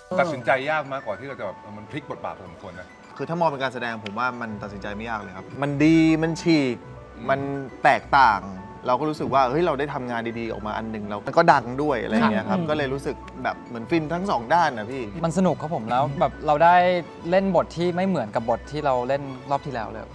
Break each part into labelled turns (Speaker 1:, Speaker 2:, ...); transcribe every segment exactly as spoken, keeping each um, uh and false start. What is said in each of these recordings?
Speaker 1: ตัดสินใจยากมากกว่าที่เราจะแบบมันพลิกบทบาทพอสมควรนะ
Speaker 2: คือถ้ามองเป็นการแสดงผมว่ามันตัดสินใจไม่ยากเลยครับมันดีมันฉีกมันแตกต่าง เราก็รู้สึกว่าเฮ้ยเราได้ทำงานดีๆออกมาอันหนึ่งแล้วมันก็ดังด้วยอะไรอย่างเงี้ยครับก็เลยรู้สึกแบบเหมือนฟินทั้งสองด้านนะพี่
Speaker 3: มันสนุกครับผมแล้วแบบเราได้เล่นบทที่ไม่เหมือนกับบทที่เราเล่นรอบที่แล้วเลย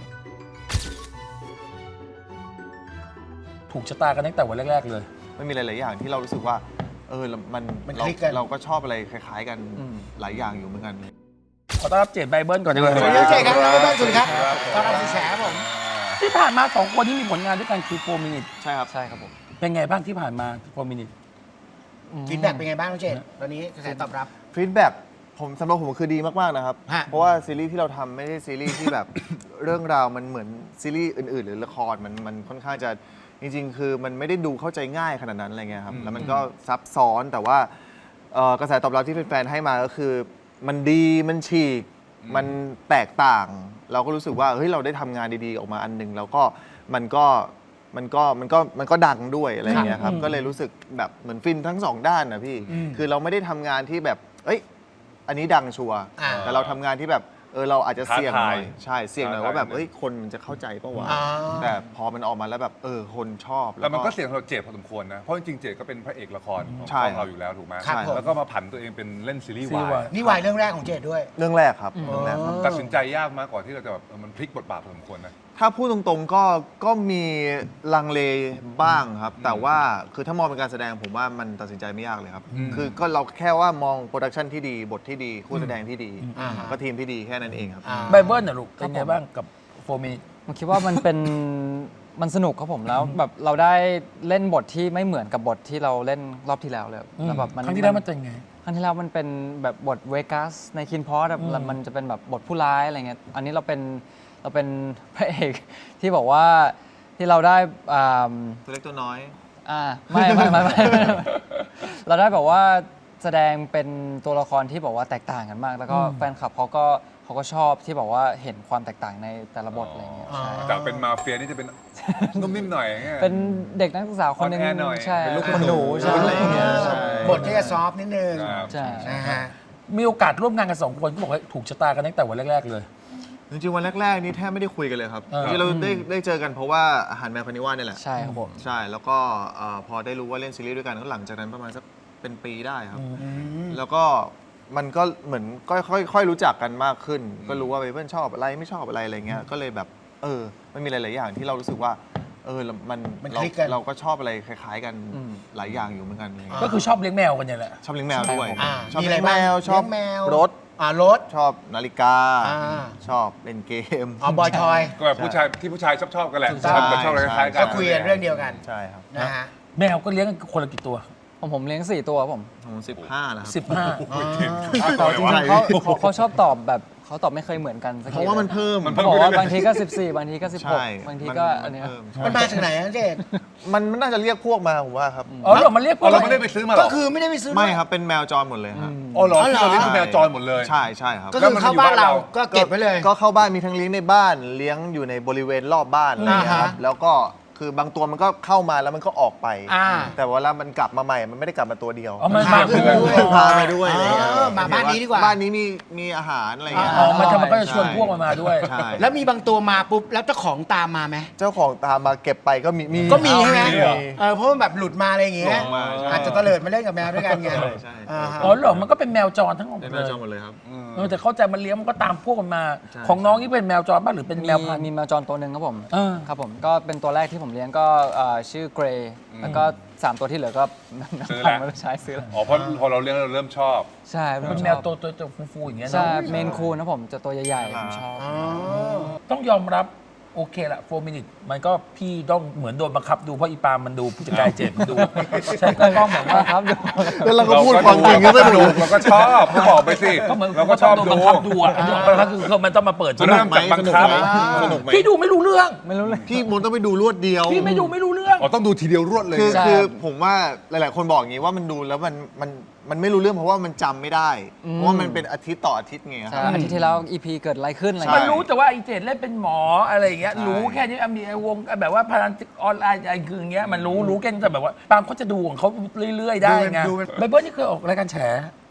Speaker 4: ถูกชะตากันตั้งแต่วันแรกๆเลย
Speaker 2: ไม่มีหลายๆอย่างที่เรารู้สึกว่าเออมันเราเราก็ชอบอะไรคล้ายๆกันหลายอย่างอยู่เหมือนกัน
Speaker 4: ขอต้อนรับเจดไบเบิลก่อนดีกว่า
Speaker 5: สวัสดีเจดครับไบเบิลสวัสดีครับตอนรับสีแฉผม
Speaker 4: ที่ผ่านมาสองคนที่มีผลงานด้วยกันคือโฟร์มินิท
Speaker 2: ใช่ครับ
Speaker 3: ใช่ครับผม
Speaker 4: เป็นไงบ้างที่ผ่านมาโฟร์มินิท
Speaker 5: ฟีดแบ็กเป็นไงบ้างน้องเจดตอนนี้กระแสตอบรับ
Speaker 2: ฟีดแบ็กผมสำหรับผมคือดีมากๆนะครับเพราะว่าซีรีส์ที่เราทำไม่ใช่ซีรีส์ที่แบบ เรื่องราวมันเหมือนซีรีส์อื่นๆ หรือละครมันมันค่อนข้างจะจริงๆคือมันไม่ได้ดูเข้าใจง่ายขนาดนั้นอะไรเงี้ยครับแล้วมันก็ซับซ้อนแต่ว่ากระแสตอบรับที่แฟนๆให้มาก็คือมันดีมันฉีกมันแตกต่าง เราก็รู้สึกว่าเฮ้ยเราได้ทำงานดีๆออกมาอันหนึ่งแล้วก็มันก็มันก็มันก็มันก็ดังด้วยอะไรเงี้ยครับก็เลยรู้สึกแบบเหมือนฟินทั้งสองด้านนะพี่คือเราไม่ได้ทำงานที่แบบเอ้ยอันนี้ดังชัวร์แต่เราทำงานที่แบบเออเราอาจจะเสี่ยงหน่อยใช่เสี่ยงหน่อยว่าแบบเอ้ยคนมันจะเข้าใจป่าวะแต่พอมันออกมาแล้วแบบเออคนชอบ
Speaker 1: แล้วมันก็เสี่ยงเราเจ็บพอสมควรนะเพราะจริงๆเจ็บก็เป็นพระเอกละครของเราอยู่แล้วถูกไหมแล้วก็มาผันตัวเองเป็นเล่นซีรีส์วาย
Speaker 5: นี่วายเรื่องแรกของเจดด้วย
Speaker 2: เรื่องแรกครับเรื่องแรกครับ
Speaker 1: ตัดสินใจยากมากกว่าที่เราจะแบบมันพลิกบทบาทพอสมควรนะ
Speaker 2: ถ้าพูดตรงๆก็ก็มีลังเลบ้างครับแต่ว่าคือถ้ามองเป็นการแสดงผมว่ามันตัดสินใจไม่ยากเลยครับคือก็เราแค่ว่ามองโปรดักชันที่ดีบทที่ดีคู่แสดงที่ดีก็ทีมที่ดีแค่นั้นเองครับ
Speaker 4: ไบเบิลนะลูกเป็นไงบ้างกับโฟร์มินิท
Speaker 3: ผมคิดว่ามันเป็นมันสนุกครับผมแล้วแบบเราได้เล่นบทที่ไม่เหมือนกับบทที่เราเล่นรอบที่แล้วเลยแล้วแบบ
Speaker 4: ครั้งที่แล้วมันเป็นไง
Speaker 3: ครั้งที่แล้วมันเป็นแบบบทเวกัสในคินพอสแบบมันจะเป็นแบบบทผู้ร้ายอะไรเงี้ยอันนี้เราเป็นเราเป็นพระเอกที่บอกว่าที่เราได้
Speaker 2: ตัวเล็กตัวน้อย
Speaker 3: อ่าไม่ไม่ไม่ไม่เราได้แบบว่าแสดงเป็นตัวละครที่บอกว่าแตกต่างกันมากแล้วก็แฟนคลับเขาก็เขาก็ชอบที่บอกว่าเห็นความแตกต่างในแต่ละบทอะไรเงี้ย
Speaker 1: จากเป็นมาเฟียนี่จะเป็นนุ่มนิ่มหน่อย
Speaker 3: เป็นเด็กนักศึกษาคนนึงใช่
Speaker 1: เป็นลูก
Speaker 3: คนหนูใช่
Speaker 5: บทที่จะซอฟนิดนึง
Speaker 3: ใช่
Speaker 5: นะฮะ
Speaker 4: มีโอกาสร่วมงานกันสองคนก็บอกว่าถูกชะตากันตั้งแต่วันแรกๆเลย
Speaker 2: จริงๆวันแรกๆนี่แทบไม่ได้คุยกันเลยครับที่เราได้ได้เจอกันเพราะว่าอาหารแมวพนิวานี่แหละ
Speaker 3: ใช่ครับผม
Speaker 2: ใช่แล้วก็พอได้รู้ว่าเล่นซีรีส์ด้วยกันก็หลังจากนั้นประมาณสักเป็นปีได้ครับแล้วก็มันก็เหมือนค่อยๆรู้จักกันมากขึ้นก็รู้ว่าเพื่อนชอบอะไรไม่ชอบอะไรอะไรเงี้ยก็เลยแบบเออมันมีหลายๆอย่างที่เรารู้สึกว่าเออมันเราก็ชอบอะไรคล้ายๆกันหลายอย่างอยู่เหมือนกัน
Speaker 4: ก็คือชอบเลี้ยงแมวกันเนี่ยแหละ
Speaker 2: ชอบเลี้ยงแมวด้วย
Speaker 5: ชอบเลี้ยงแมว
Speaker 2: ชอบรถ
Speaker 5: อ่ารถ
Speaker 2: ชอบนาฬิกาชอบเล่นเกม
Speaker 5: อ๋อบอยทอย
Speaker 1: ก็แบบผู้ชายที่ผู้ชายชอบชอบกันแหละชอบชอบอะไรคล้ายกัน
Speaker 5: ก็คุยกันเรื่องเดียวกัน
Speaker 2: ใช่ครับ
Speaker 5: นะฮะ
Speaker 4: แมวก็เลี้ยงคนละกี่ตัว
Speaker 3: ผมผมเลี้ยงสี่ตัวผม
Speaker 2: ผมสิบห้าแล้ว
Speaker 4: สิบห้า
Speaker 3: แต่จริงๆเขาเขาชอบตอบแบบเขาตอบไม่เคยเหมือนกัน
Speaker 2: เพราะว่ามันเพิ่ม
Speaker 3: เขาบอกว่าบางทีก็สิบสี่บางทีก็สิบหกบางทีก็อันนี้
Speaker 5: มันมาจากไหนนะเจด
Speaker 2: มันน่าจะเรียกพวกมาผมว่าครับ
Speaker 4: อ๋อเหรอมันเรียกพวก
Speaker 1: เราไม่ได้ไปซื้อมาหรอ
Speaker 5: ก็คือไม่ได้ไปซื้อ
Speaker 2: ไม่ครับเป็นแมวจรหมดเลยครับ
Speaker 1: อ๋อเหรอที่เราเลี้ยงคือแมวจรหมดเลย
Speaker 2: ใช่ใช่ครับ
Speaker 5: ก็คือเข้าบ้านเราก็เก็บไว้เลย
Speaker 2: ก็เข้าบ้านมีทั้งเลี้ยงในบ้านเลี้ยงอยู่ในบริเวณรอบบ้านอะไรอย่างเงี้ยครับแล้วก็คือบางตัวมันก็เข้ามาแล้วมันก็ออกไปแต่เวลามันกลับมาใหม่มันไม่ได้กลับมาตัวเดียว
Speaker 4: มันพา
Speaker 2: ด้วยพามาด้วยอะไรเงี้ย
Speaker 5: มาบ้านนี้ดีกว่า
Speaker 2: บ้านนี้มีมีอาหารอะไรเงี้ย
Speaker 4: อ๋อมันทำมันก็จะชวนพวกมันมาด้วย
Speaker 5: แล้วมีบางตัวมาปุ๊บแล้วเจ้าของตามมาไหม
Speaker 2: เจ้าของตามมาเก็บไปก็มี
Speaker 5: ก็มีใช่ไหมเออเพราะมันแบบหลุดมาอะไรอย่างเงี้ยอาจจะเตลิดมาเล่นกับแมวด้วยกันไง
Speaker 4: อ๋อเหรอมันก็เป็นแมวจรทั้งหมด
Speaker 2: เลยแมวจรหมดเลยครับ
Speaker 4: เออแต่เข้าใจมันเลี้ยงมันก็ตามพวกมันมาของน้องนี่เป็นแมวจรบ้างหรือเป็นแมวพันธุ์
Speaker 3: มีแมวจรตัวหนึ่งครับผมครับผมก็เป็นตัวแรกที่ผมเลี้ยงก็ชื่อเกรย์แล้วก็สามตัวที่เหลือก็
Speaker 1: ซื้อแล้ว
Speaker 3: ไม่ใช้ซื้อแล้ว
Speaker 1: อ๋อเพราะพอเราเลี้ยงเราเริ่มชอบ
Speaker 3: ใช่
Speaker 4: เป็นแมวตัวตัวฟูๆอย่างเงี้ย
Speaker 3: ใช่เมนคูนนะผมจะตัวใหญ่ๆผมชอบ
Speaker 4: ต้องยอมรับโอเคละโฟร์มินิทมันก็พี่ต้องเหมือนโดนบังคับดูเพราะอีปามันดูผู้จัดการเจ็บดู
Speaker 3: ใช่ก็ต้องเหมือนว่าครับ
Speaker 2: แล้วเราก็พูดความจริงก็ไม่ดู
Speaker 1: เราก็ชอบก็บอกไปสิ
Speaker 4: ก็เหมือน
Speaker 1: เราก็ชอบดู
Speaker 4: บังคับดูอ่ะก็คือมันต้องมาเปิด
Speaker 1: เริ่มจากบังคับ
Speaker 4: พี่ดูไม่รู้เรื่อง
Speaker 3: ไม่รู้เลย
Speaker 2: พี่มนต้องไปดูรวดเดียว
Speaker 4: พี่ไม่ดูไม่รู้เรื่อง
Speaker 1: อ๋อต้องดูทีเดียวรวดเลย
Speaker 2: คือคือผมว่าหลายๆคนบอกอย่างนี้ว่ามันดูแล้วมันมันมันไม่รู้เรื่องเพราะว่ามันจำไม่ได้เพราะว่ามันเป็นอาทิตย์ต่ออาทิตย์ไงครับ
Speaker 3: อาทิตย์ที่แล้ว อี พี เกิดอะไรขึ้นอะไร
Speaker 4: มันรู้แต่ว่าไอเจดเล่นเป็นหมออะไรอย่างเงี้ยรู้แค่นี้มีไอวงแบบว่าพลังออนไลน์อะไรคืออย่างเงี้ยมันรู้รู้แค่แต่แบบว่าบางเขาจะดูของเขาเรื่อยๆได้ไงไบเบิลนี่เคยออกรายการแฉ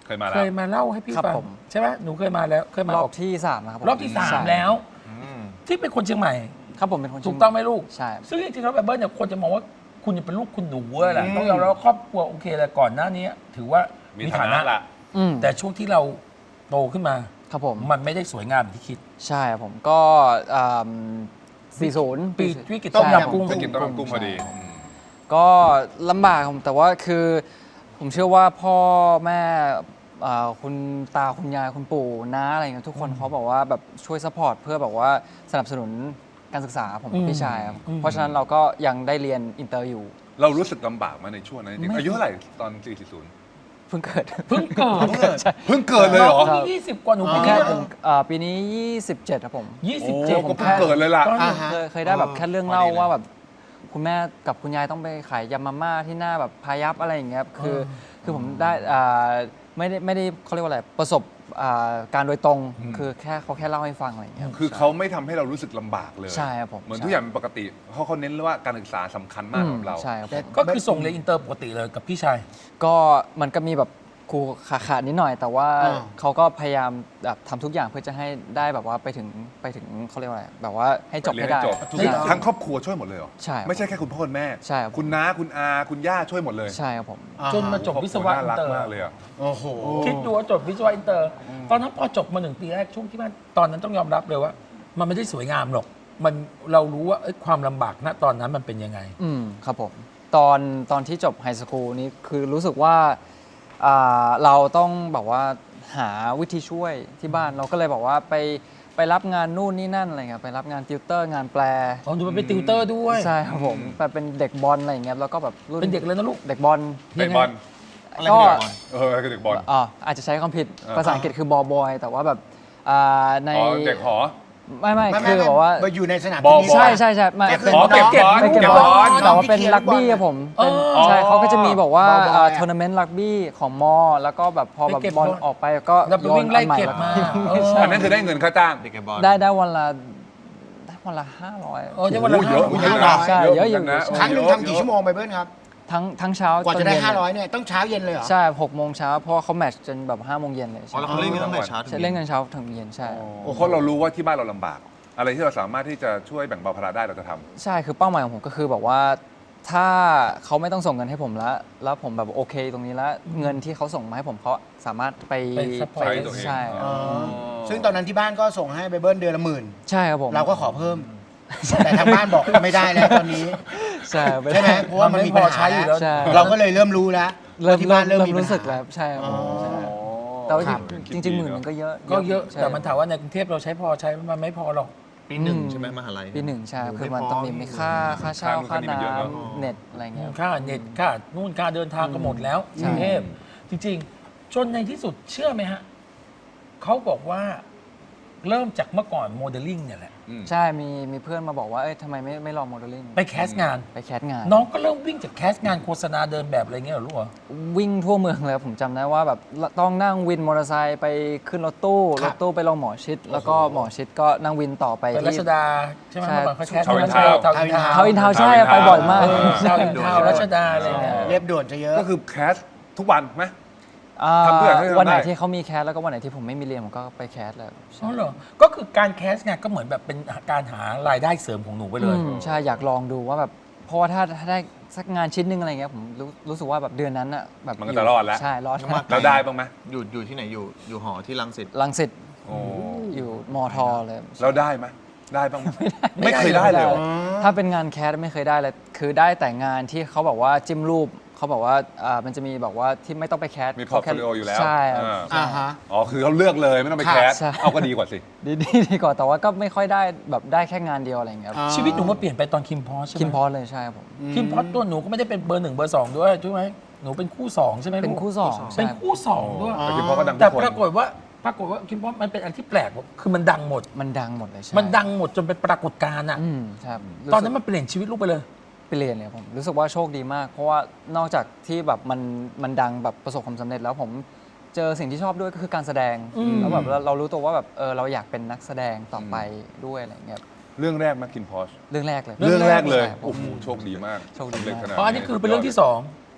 Speaker 1: เคยมาแล้
Speaker 4: เคว ยมาเล่าให้พี่
Speaker 3: ครับ
Speaker 4: ฟัง
Speaker 3: ผม
Speaker 4: ใช่ไหมหนูเคยมาแล้วเคยมาร
Speaker 3: อ
Speaker 4: ออบ
Speaker 3: ที่สามนะครับผม
Speaker 4: รอบที่สาม
Speaker 3: ใช่
Speaker 4: แล้ว
Speaker 2: อืม
Speaker 4: ที่เป็นคนเชียงใหม่
Speaker 3: ครับผมเป็นคน
Speaker 4: ถูกต้องไหมลูก
Speaker 3: ใช่
Speaker 4: ซึ่งจริงๆแล้วแบบเบิร์ดเนี่ยคนจะมองว่าคุณยังเป็นลูกคุณหนูแหละต้องยอมรับว่าครอบครัวโอเคเลยก่อนหน้านี้ถือว่า
Speaker 1: มี
Speaker 4: มี
Speaker 1: ฐา
Speaker 4: ฐา
Speaker 1: นะ
Speaker 4: นะ
Speaker 1: ละ
Speaker 3: อืม
Speaker 4: แต่ช่วงที่เราโตขึ้นมา
Speaker 3: ครับผม
Speaker 4: มันไม่ได้สวยงามอย่างที่คิด
Speaker 3: ใช่ครับผมก็สี่ศูนย์
Speaker 4: ปีวิกฤตต้มยำกุ้ง
Speaker 1: ไปกินต้มยำกุ้งพอดีอืม
Speaker 3: ก็ลำบากครับแต่ว่าคือผมเชื่อว่าพ่อแม่อ่าคุณตาคุณยายคุณปู่น้าอะไรเงี้ยทุกคนเขาบอกว่าแบบช่วยซัพพอร์ตเพื่อแบบว่าสนับสนุนการศึกษาผมกับพี่ชายครับเพราะฉะนั้นเราก็ยังได้เรียนอินเตอร์อยู่
Speaker 1: เรารู้สึกลำบากมาในช่วงนั้นจริง
Speaker 3: ไม่
Speaker 1: ๆอายุเท่าไหร่ตอนสี่สิบ
Speaker 3: เพิ่งเกิด
Speaker 4: เพิ่งเกิด
Speaker 1: เพิ่งเกิดเลยเหรอ
Speaker 4: น้องยี่สิบกว่าหนู
Speaker 3: ผม
Speaker 4: เพิ่ง
Speaker 3: แค่
Speaker 4: เกิด
Speaker 3: ผมอ่าปีนี้ ยี่สิบเจ็ดครับผม
Speaker 4: ยี่สิบ
Speaker 1: โอ้
Speaker 4: เจ็ด
Speaker 1: ก็เพิ่งเกิดเลยล่ะ
Speaker 5: อ่าฮะ
Speaker 3: เคยเคยได้แบบ
Speaker 2: เออ
Speaker 3: แค่เรื่อง
Speaker 2: พอดี
Speaker 3: เล่า
Speaker 2: เลย
Speaker 3: ว่าแบบคุณแม่กับคุณยายต้องไปขายยำมาม่าที่หน้าแบบพายัพอะไรอย่างเงี้ยครับคือคือผมได้อ่าไม่ได้ไม่ได้เขาเรียกว่าอะไรประสบอ่าการโดยตรง
Speaker 1: อืม
Speaker 3: คือแค่เขาแค่เล่าให้ฟังอะไรอย่างเงี้ยรับ
Speaker 1: คือเขาไม่ทำให้เรารู้สึกลำบากเลย
Speaker 3: ใช่ครับผม
Speaker 1: เหมือน
Speaker 3: ใช่
Speaker 1: ทุกอย่างเป็นปกติเพราะเขาเน้นว่าการศึกษาสำคัญมาก
Speaker 3: อื
Speaker 1: สำห
Speaker 3: ม
Speaker 1: รับเรา
Speaker 3: ใช่ครับผม
Speaker 4: ก็คือส่งเรียนอินเตอร์ปกติเลยกับพี่ชาย
Speaker 3: ก็มันก็มีแบบครูขาขาดนิดหน่อย แต่ว่า
Speaker 5: อ่า
Speaker 3: เขาก็พยายามแบบทำทุกอย่างเพื่อจะให้ได้แบบว่าไปถึงไปถึงเขาเรียกว่าอะไรแบบว่าให้จบ
Speaker 1: เรีย
Speaker 3: ให้
Speaker 1: น
Speaker 3: ได้
Speaker 1: ให้จบ
Speaker 3: ใช่
Speaker 1: ทั้งครอบครัวช่วยหมดเลยเหรอ
Speaker 3: ใช่ครับ
Speaker 1: ไม่ใช่แค่คุณพ่อคุณแม่
Speaker 3: ใช่ครับ
Speaker 1: คุณน้าคุณอาคุณย่าช่วยหมดเลย
Speaker 3: ใช่ครับผม
Speaker 4: จนมาจบวิศวะ
Speaker 1: น่า
Speaker 4: อิน
Speaker 1: รัก
Speaker 4: เตอร์
Speaker 1: มากเลยอ่ะ
Speaker 5: โอ้โห
Speaker 4: คิดดูว่าจบวิศวะอินเตอร์ ตอนนั้นพอจบมาหนึ่งปีแรกช่วงที่มันตอนนั้นต้องยอมรับเลยว่า มันไม่ได้สวยงามหรอก มันเรารู้ว่าเอ้ยความลำบากณตอนนั้นมันเป็นยังไง
Speaker 3: อืมครับผมตอนตอนที่จบไฮสคูลนี้คือรู้สึกว่าอ่าเราต้องแบบว่าหาวิธีช่วยที่บ้านเราก็เลยบอกว่าไปไปรับงานนู่นนี่นั่นอะไรเงี้ยไปรับงานติวเตอร์งานแปล
Speaker 4: ของดูมันเป็นติวเตอร์ด้วย
Speaker 3: ใช่ครับผมไปเป็นเด็กบอลอะไรอย่างเงี้ยแล้วก็แบบรุ่น
Speaker 4: เป็นเด็กเลยนะลูก
Speaker 3: เด็กบอล
Speaker 1: เตะบอล
Speaker 2: อะไร
Speaker 3: ก็
Speaker 2: เป็นเด็กบอล
Speaker 1: เอออะไรก็เด็กบอล
Speaker 3: อ่าอาจจะใช้คำผิด
Speaker 1: อ่า
Speaker 3: ภาษาอังกฤษคือบอลบอยแต่ว่าแบบอ่าใน
Speaker 1: อ๋อเด็กหอ
Speaker 3: ไม่ไม่
Speaker 5: ไม่
Speaker 3: คือ
Speaker 5: ไม่
Speaker 3: แบบว่า
Speaker 5: ไปอยู่ในสนาม
Speaker 1: บอล
Speaker 5: เทนนิส
Speaker 3: ใช่ใช่ใช่ไม่
Speaker 5: ก็คือ
Speaker 3: เป็น
Speaker 1: อ๋อเก็บบอล
Speaker 3: ไปเก็บ
Speaker 1: เก็บบ
Speaker 3: อ
Speaker 1: อ
Speaker 3: ล
Speaker 1: ล
Speaker 3: แต่ว่าเป็นรักบี้อะผมเป็น
Speaker 4: อ๋อ
Speaker 3: ใช่เขาก็จะมีบอกว่า
Speaker 5: บอลบอยอะ
Speaker 3: ทัวร์นาเมนต์รักบี้ของมอ แล้วก็แบบพอแบบ
Speaker 4: ไปเก็บบ
Speaker 3: อล
Speaker 4: บอล
Speaker 3: ออกไปก็
Speaker 4: เราไปวิ่งไล่เก็บมาเออ
Speaker 1: อันนั้นคือได้เงินค่าจ้าง
Speaker 2: เด็กบอล
Speaker 3: ได้ได้วันละได้วันละห้าร้อย
Speaker 4: เออได้วันละ
Speaker 1: โอ้เยอะ
Speaker 4: ห้า
Speaker 1: เยอะ
Speaker 4: ร้
Speaker 1: นะ
Speaker 4: อย
Speaker 3: ใช่เยอะอยู่
Speaker 1: หมืนกันนะ
Speaker 5: ครั้งหนึ่ง
Speaker 1: เยอะ
Speaker 5: ทำกี่ชั่วโมงไปเบิ้ลครับ
Speaker 3: ทั้งทั้งเช้าก
Speaker 5: ว่าจะได้
Speaker 3: ตนเย็น
Speaker 5: ห้าร้อยเนี่ยต้องเช้าเย็นเลยเหรอ
Speaker 3: ใช่หกโมงเช้าเพราะว่าเขาแมตช์จนแบบห้าโมงเย็นเลย
Speaker 2: อ๋อ
Speaker 3: ใช่
Speaker 2: แล้วเขาเล่นกันตั้งแต่เช้าถึง
Speaker 3: ใช่
Speaker 2: ย็
Speaker 3: เล่นกันเช้าถึงเย็นใช่
Speaker 1: โอ้เพราะเรารู้ว่าที่บ้านเราลำบาก อะไรที่เราสามารถที่จะช่วยแบ่งเบาภาระได้เราจะทำ
Speaker 3: ใช่คือเป้าหมายของผมก็คือแบบว่าถ้าเขาไม่ต้องส่งเงินให้ผมแล้ว แล้วผมแบบโอเคตรงนี้แล้วเงินที่เขาส่งมาให้ผมเขาสามารถไป
Speaker 4: ไป support
Speaker 1: ใช้ตัวเอง
Speaker 3: ใช่
Speaker 1: อ๋อ
Speaker 5: ซึ่งตอนนั้นที่บ้านก็ส่งให้ไปเบิ้ลเดือนละหมื่น
Speaker 3: ใช่ครับผม
Speaker 5: เราก็ขอเพิ่ม แต่ทางบ้านบอกไม่ได้แล้วตอนนี้
Speaker 3: ใช่ไม่
Speaker 5: ใช่ไหมเพราะว่ามันมีปัญหา
Speaker 4: มันไม่พอใช้อยู่แล้ว
Speaker 3: ใช่
Speaker 5: เราก็เลยเริ่มรู้แล้ว
Speaker 3: เริ่ม
Speaker 5: ว่าที่
Speaker 3: เริ่
Speaker 5: บ้าม นเริ่
Speaker 3: เริ่
Speaker 5: ม
Speaker 3: ม
Speaker 5: มีปัญ
Speaker 3: รู้สึก
Speaker 5: หา
Speaker 3: แล้วใช่ครับผมใช่
Speaker 1: อ๋อ
Speaker 3: แต่ว่า
Speaker 5: ครับ
Speaker 3: จริงๆหมื่นหนึงก็เยอะ
Speaker 4: ก็เยอะ
Speaker 3: ใช่
Speaker 4: แต่มันถามว่าในกรุงเทพเราใช้พอใช้มันไม่พอหรอก
Speaker 2: ปีหนึ่ง
Speaker 3: อืม
Speaker 2: ใช่ไหมมหาลัย
Speaker 3: ปีหนึ่งใช่
Speaker 2: ยู่
Speaker 3: คือ
Speaker 2: ไ
Speaker 3: มันต้องมีมีค่าค่าเช่า
Speaker 1: ค่า
Speaker 3: ค่า
Speaker 1: นู่นค่านี่มันเยอะเนอะ
Speaker 3: น้ำเน็ตอะไรเงี้ย
Speaker 4: ค่าเน็ตค่านู่นค่าเดินทางก็หมดแล้วกรุงเทพจริงๆ จนในที่สุดเชื่อไหมฮะเขาบอกว่าเริ่มจากเมื่อก่อนโมเดลลิ่งเนี่ยแหละ
Speaker 1: อืม
Speaker 3: ใช่มีมีเพื่อนมาบอกว่าเอ้ยทำไมไม่ไม่ลองโมเดลลิ่ง
Speaker 4: ไปแคสงาน
Speaker 3: ไปแคสงาน
Speaker 4: น้องก็เริ่มวิ่งจากแคสงานโฆษณาเดินแบบอะไรเงี้ยเหรอลูกเหรอ
Speaker 3: วิ่งทั่วเมืองเลยผมจำได้ว่าแบบต้องนั่งวินมอเตอร์ไซค์ไปขึ้นรถตู้รถตู้ไปลงหมอชิด แล้วก็หมอชิดก็นั่งวินต่อไป
Speaker 4: ไปรั
Speaker 3: ที่
Speaker 4: ชดาใช่ไหม
Speaker 3: ใช่
Speaker 4: เมื่อก่อนเขาแคส
Speaker 1: ทาวน์อินทาวน์
Speaker 4: ทาวน์อินทาวน์
Speaker 3: เท้าอินทาวน์ใช่
Speaker 1: ทาวน์อินทาวน์
Speaker 3: ไปบ่อยมาก
Speaker 4: เออทาวน์อินทาวน์รัชดาอะไรเงี้ย
Speaker 5: เรียบด่วนจะเยอะ
Speaker 1: ก็คือแคสทุกวันไหม
Speaker 3: อ่า
Speaker 1: ทำทุกอย่างให้ทำได้
Speaker 3: วันไหนที่เขามีแคสแล้วก็วันไหนที่ผมไม่มีเรียนผมก็ไปแคสเลยใช่
Speaker 4: อ๋อเหรอก็คือการแคสงานก็เหมือนแบบเป็นการหารายได้เสริมของหนูไปเลย
Speaker 3: อืมใช่อยากลองดูว่าแบบเพราะว่าถ้าถ้าได้สักงานชิ้นหนึงอะไรเงี้ยผมรู้รู้สึกว่าแบบเดือนนั้นอะแบบ
Speaker 1: มันก็จะรอดแล้ว
Speaker 3: ใช่รอด
Speaker 2: มาก
Speaker 1: เราได้บ้างไหม
Speaker 2: อยู่อยู่ที่ไหนอยู่อยู่หอที่รังสิต
Speaker 3: ลังสิต
Speaker 1: โอ้
Speaker 3: อยู่มอทอเลย
Speaker 1: เราได้ไหมได้บ้างไหมไม่เคยได้เลยเหรอ
Speaker 3: ถ้าเป็นงานแคสไม่เคยได้เลยคือได้แต่งานที่เขาบอกว่าจิ้มรูปเขาบอกว่าอ่ามันจะมีบอกว่าที่ไม่ต้องไปแคส
Speaker 1: มีพอร์ตโฟลิโออยู่แล้ว
Speaker 3: ใช่ครับ
Speaker 1: อ่า
Speaker 5: อ่าฮะ
Speaker 1: อ๋อคือเขาเลือกเลยไม่ต้องไปแคส
Speaker 3: ใช่
Speaker 1: เอาก็ดีกว่าสิ
Speaker 3: ดีดีดีกว่าแต่ว่าก็ไม่ค่อยได้แบบได้แค่งานเดียวอะไรอย่างเงี้ยครับ
Speaker 5: อ่า
Speaker 4: ชีวิตหนูมาเปลี่ยนไปตอนคิมพอสใช่ไหม
Speaker 3: คิมพอสเลยใช่ครับผม
Speaker 4: คิมพอสตัวหนูก็ไม่ได้เป็นเบอร์หนึ่งเบอร์สองด้วยใช่ไหมหนูเป็นคู่สองใช่ไหมลูก
Speaker 3: เป็นคู่สอง
Speaker 4: เป็น
Speaker 3: ใช่
Speaker 4: คู่สองด้วย
Speaker 1: แต่คิมพอก็ดังทุ
Speaker 4: แต่
Speaker 1: กคน
Speaker 4: ปรากฏว่าปรากฏว่าคิมพอสมันเป็นอันที่แปลกคือมันดังหมด
Speaker 3: มันดังหมดเลยใช่
Speaker 4: มันดังหมดจนเป็นปรากฏการณ์อ่ะ
Speaker 3: อืมใช่ครับ
Speaker 4: ตอนนั้นมันเปลี่ยนชีวิตลูกไปเลย
Speaker 3: เปลี่ยนเลยผมรู้สึกว่าโชคดีมาก เพราะว่านอกจากที่แบบมันมันดังแบบประสบความสำเร็จแล้วผมเจอสิ่งที่ชอบด้วยก็คือการแสดง
Speaker 4: อืม
Speaker 3: แล้วแบบเราเรารู้ตัวว่าแบบเออเราอยากเป็นนักแสดงต่อไปด้วยอะไรเงี้ย
Speaker 1: เรื่องแรกมากินพอช
Speaker 3: เรื่องแรกเลย
Speaker 1: เรื่องแรกเลย
Speaker 3: ใช่ผม
Speaker 1: โอ้โหโชคดีมาก
Speaker 3: โชคดีมาก
Speaker 1: สำเร็จขนาด
Speaker 4: อ๋ออันนี้คือเป็นเรื่องที่สอง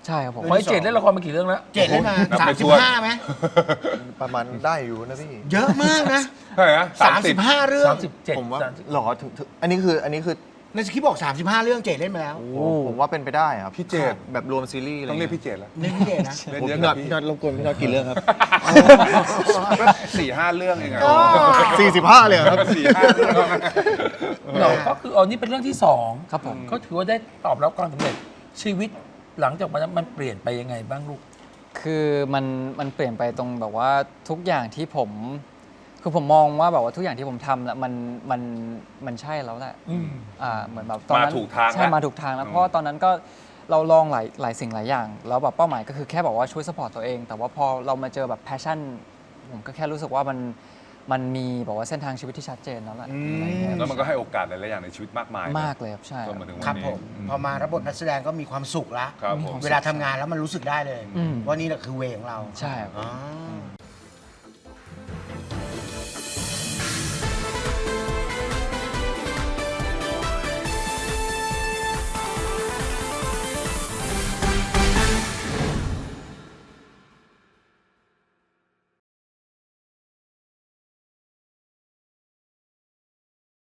Speaker 3: ใช่ครับผม
Speaker 4: เพราะไอ้เจดเล่นละครมากี่เรื่องแล้ว
Speaker 5: เจดเล่นมา
Speaker 1: นับ
Speaker 5: สาม
Speaker 1: ไม่
Speaker 5: สิ
Speaker 1: ถ้
Speaker 5: บ
Speaker 1: วน
Speaker 5: ห้าไหม
Speaker 2: ประมาณได้อยู่นะพี่
Speaker 5: เยอะมากนะ
Speaker 1: เท่าไหร่นะ
Speaker 5: สามสิบห้าเรื่อง
Speaker 4: สามสิบเจ็ด
Speaker 2: ผมว่า
Speaker 4: สามสิบ
Speaker 2: หรอถึงถึงอันนี้คืออันนี้คือ
Speaker 5: ในสคริปต์บอกสามสิบห้าเรื่องเจดเล่นมาแล้ว
Speaker 2: ผมว่าเป็นไปได้ครับ
Speaker 1: พี่เจด
Speaker 2: แบบรวมซีรีส์อะไร
Speaker 1: ต้องเรียก
Speaker 2: เงี้ย
Speaker 1: พี่เจดแล้ว
Speaker 5: เล่นพี่เจดนะ
Speaker 1: เล่น
Speaker 2: ผม
Speaker 1: เยอะ
Speaker 2: พี่
Speaker 1: ก
Speaker 2: น็อ
Speaker 1: ว่า
Speaker 2: ต
Speaker 1: พี่
Speaker 2: พี่น็อตรบกวนพี่น็อตกี่เรื่องครับ
Speaker 1: สี่ห้าเรื่องเองอะ
Speaker 2: สี่สิบห้าเลยเหรอครับ
Speaker 1: สี่ห้าเรื่อง
Speaker 4: เราก็คือเอานี่เป็นเรื่องที่สอง
Speaker 3: ครับผม
Speaker 4: ก็ถือว่าได้ตอบรับความสำเร็จชีวิตหลังจากวันนั้นมันเปลี่ยนไปยังไงบ้างลูก
Speaker 3: คือมันมันเปลี่ยนไปตรงแบบว่าทุกอย่างที่ผม คือผมมองว่าแบบว่าทุกอย่างที่ผมทำแล้วมันมันมันใช่แล้วแหละ
Speaker 4: อืม
Speaker 3: อ่าเหมือนแบบตอนนั้น
Speaker 1: มาถูกทาง
Speaker 3: ใช่
Speaker 1: แล้ว
Speaker 3: มาถูกทางแล้ว
Speaker 1: อืม
Speaker 3: เพราะว่าตอนนั้นก็เราลองหลายหลายสิ่งหลายอย่าง แล้วแบบเป้าหมายก็คือแค่บอกว่าช่วยสปอร์ตตัวเอง แต่ว่าพอเรามาเจอแบบแพชชั่นผมก็แค่รู้สึกว่ามันมันมีแบบว่าเส้นทางชีวิตที่ชัดเจนแล้วแหละอะไรเงี้ย
Speaker 1: แล้วมันก็ให้โอกาสหลายๆอย่างในชีวิตมากมายนะ
Speaker 3: มากเลยครับใช่
Speaker 1: จนมาถึง
Speaker 5: ค
Speaker 1: วั
Speaker 5: รับ
Speaker 1: นนี้
Speaker 5: ผม พอมารับบทนักแสดงก็มีความสุขละ
Speaker 1: ครับผม
Speaker 5: เวลาทำงานแล้วมันรู้สึกได้เลย
Speaker 3: อืม
Speaker 5: ว่านี่แหละคือเวของเรา
Speaker 3: ใช่ครับ
Speaker 5: อ๋อ